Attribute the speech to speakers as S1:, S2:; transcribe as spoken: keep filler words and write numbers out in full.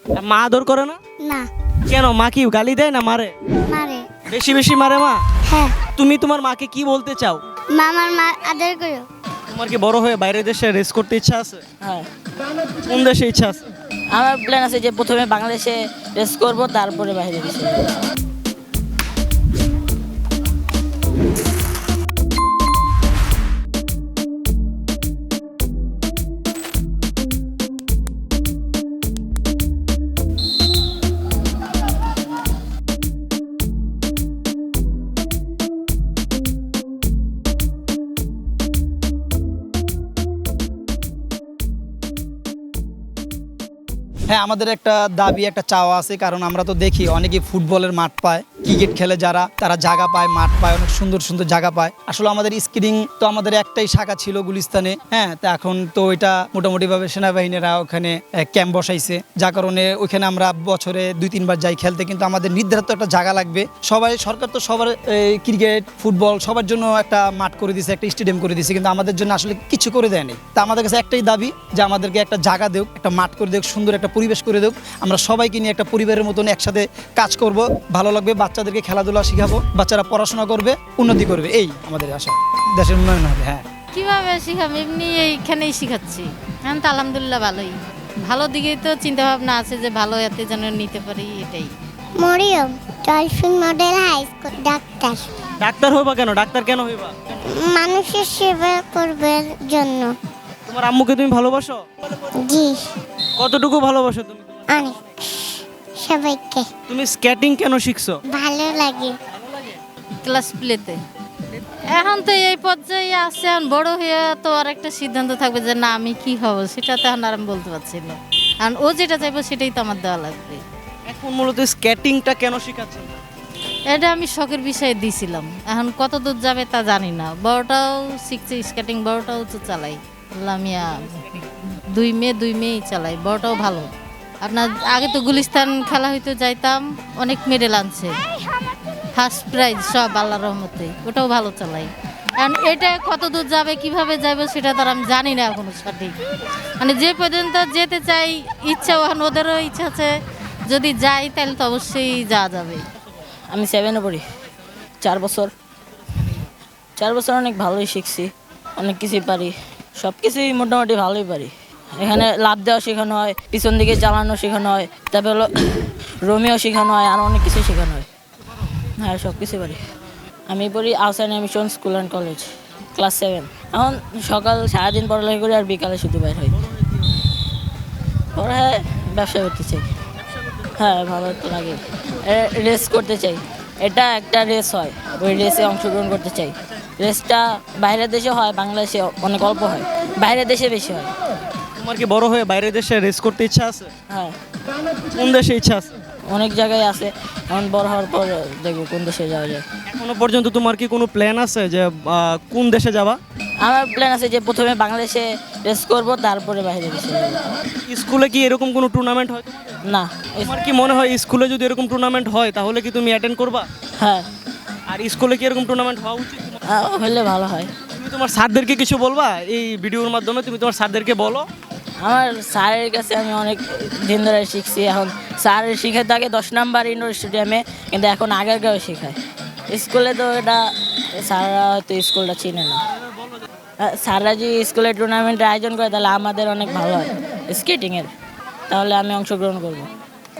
S1: আর মা আদর করে না?
S2: না।
S1: কেন, মা কি গালি দেয় না মারে?
S2: মারে।
S1: বেশি বেশি মারে মা?
S2: হ্যাঁ।
S1: তুমি তোমার মাকে কি বলতে চাও?
S2: মামার মা আদর করো।
S1: তোমার কি বড় হয়ে বাইরের দেশে রেস করতে ইচ্ছা আছে?
S3: হ্যাঁ,
S1: কোন দেশে ইচ্ছা আছে?
S3: আমার প্ল্যান আছে যে প্রথমে বাংলাদেশে রেস করব, তারপরে বাইরে দেশে যাবো।
S4: হ্যাঁ, আমাদের একটা দাবি, একটা চাওয়া আছে, কারণ আমরা তো দেখি অনেকেই ফুটবলের মাঠ পায়, ক্রিকেট খেলে যারা, তারা জায়গা পায়, মাঠ পায়, অনেক সুন্দর সুন্দর জায়গা পায়। আসলে আমাদের স্কিডিং তো আমাদের একটাই শাখা ছিল গুলিস্তানে, হ্যাঁ, তো এখন তো এটা মোটামুটিভাবে সেনাবাহিনীরা ওখানে ক্যাম্প বসাইছে, যার কারণে ওইখানে আমরা বছরে দুই তিনবার যাই খেলতে, কিন্তু আমাদের নির্ধারিত একটা জায়গা লাগবে। সবাই, সরকার তো সবার ক্রিকেট ফুটবল সবার জন্য একটা মাঠ করে দিয়েছে, একটা স্টেডিয়াম করে দিয়েছে, কিন্তু আমাদের জন্য আসলে কিছু করে দেয়নি। তা আমাদের কাছে একটাই দাবি যে আমাদেরকে একটা জায়গা দেওক, একটা মাঠ করে দেওক, সুন্দর একটা পরিবেশ করে দেওক, আমরা সবাইকে নিয়ে একটা পরিবারের মতন একসাথে কাজ করব, ভালো লাগবে, বাচ্চাদেরকে খেলাধুলা শিখাবো, বাচ্চারা পড়াশোনা করবে, উন্নতি করবে, এই আমাদের আশা, দেশের উন্নয়ন হবে। হ্যাঁ,
S5: কিভাবে শিখাবো, এমনি এইখানেই শিখাচ্ছি। এখন তো আলহামদুলিল্লাহ ভালোই, ভালো দিকেই তো চিন্তা ভাবনা আছে যে ভালো এতে যেন নিতে পারি, এটাই।
S2: Mariam dolphin model high school ডাক্তার।
S1: ডাক্তার হইবা কেন? ডাক্তার কেন হইবা?
S2: মানুষের সেবা করবার জন্য।
S1: তোমার আম্মুকে তুমি ভালোবাসো?
S2: জি,
S1: কতটুকু ভালোবাসো তুমি?
S2: অনেক। সবাইকে
S1: তুমি স্কেটিং কেন শিখছো?
S2: ভালো লাগে।
S5: ক্লাস প্লেতে এখন তো এই পর্যায়ে আছে, এখন বড় হয়ে তো আর একটা সিদ্ধান্ত থাকবে যে না আমি কি হব, সেটা তো এখন আর আমি বলতে পারছি না। কারণ ও যেটা চাইবো সেটাই তো আমার দেওয়া লাগবে।
S1: এখন মূলত স্কেটিংটা কেন শিখাচ্ছেন?
S5: এটা আমি শখের বিষয়ে দিয়েছিলাম, এখন কত দূর যাবে তা জানি না। বড়টাও শিখছে স্কেটিং, বড়টাও তো চালাই। লামিয়া দুই মেয়ে দুই মেয়েই চালাই, বড়টাও ভালো। আপনার আগে তো গুলিস্তান খেলা হইতে যাইতাম, অনেক মেডেল আনছে, ফার্স্ট প্রাইজ সব আল্লাহর রহমতে, ওটাও ভালো চালাই। কারণ এটা কত দূর যাবে, কিভাবে যাবে সেটা তো আর আমি জানি না এখনো সঠিক। মানে যে পর্যন্ত যেতে চাই, ইচ্ছা এখন ওদেরও ইচ্ছা আছে, যদি যাই তাহলে তো অবশ্যই যাওয়া যাবে।
S3: আমি সেভেনে পড়ি, চার বছর চার বছর অনেক ভালোই শিখছি, অনেক কিছুই পারি, সব কিছুই মোটামুটি ভালোই পারি। এখানে লাভ দেওয়া শেখানো হয়, পিছন দিকে চালানো শেখানো হয়, তারপরে হলো রোমিও শেখানো হয়, আর অনেক কিছু শেখানো হয়। হ্যাঁ, সব কিছু পারি। আমি পড়ি Ahsan mission school and college, class seven. এখন সকাল সারাদিন পড়ালেখা করি, আর বিকালে শুধু বাইর হই। পরে ব্যবসা করতে চাই। হ্যাঁ, ভালো তো লাগে। রেস করতে চাই, এটা একটা রেস হয়, ওই রেসে অংশগ্রহণ করতে চাই। রেসটা বাইরের দেশে হয়, বাংলাদেশে অনেক অল্প হয়, বাইরের দেশে বেশি হয়।
S1: তোমার কি বড় হয়ে বাইরের দেশে রেস করতে ইচ্ছা আছে?
S3: হ্যাঁ,
S1: কোন দেশে ইচ্ছা আছে?
S3: অনেক জায়গায় আছে, এখন বড় হওয়ার পর দেখবো কোন দেশে যাওয়া যায়।
S1: এখনো পর্যন্ত তোমার কি কোনো প্ল্যান আছে যে আহ, কোন দেশে যাবা?
S3: আমার প্ল্যান আছে যে প্রথমে বাংলাদেশে রেস করব, তারপরে বাইরে দেশে যাবো।
S1: স্কুলে কি এরকম কোনো টুর্নামেন্ট হয় তোমাদের?
S3: না।
S1: তোমার কি মনে হয় স্কুলে যদি এরকম টুর্নামেন্ট হয় তাহলে কি তুমি অ্যাটেন্ড করবা?
S3: হ্যাঁ,
S1: আর স্কুলে কি এরকম টুর্নামেন্ট হওয়া উচিত?
S3: আহ, হলে ভালো হয়।
S1: তুমি তোমার স্যারদেরকে কিছু বলবা এই ভিডিওর মাধ্যমে? তুমি তোমার স্যারদেরকে বলো।
S3: আমার স্যারের কাছে আমি অনেক দিন ধরে শিখছি, এখন স্যারের শিখাতে আগে দশ নাম্বার ইনডোর স্টেডিয়ামে, কিন্তু এখন আগের গাঁও শেখায়। স্কুলে তো এটা স্যাররা হয়তো স্কুলটা চিনে না। আহ, স্যাররা যদি স্কুলে টুর্নামেন্টের আয়োজন করে তাহলে আমাদের অনেক ভালো হয় স্কেটিংয়ের, তাহলে আমি অংশগ্রহণ করবো।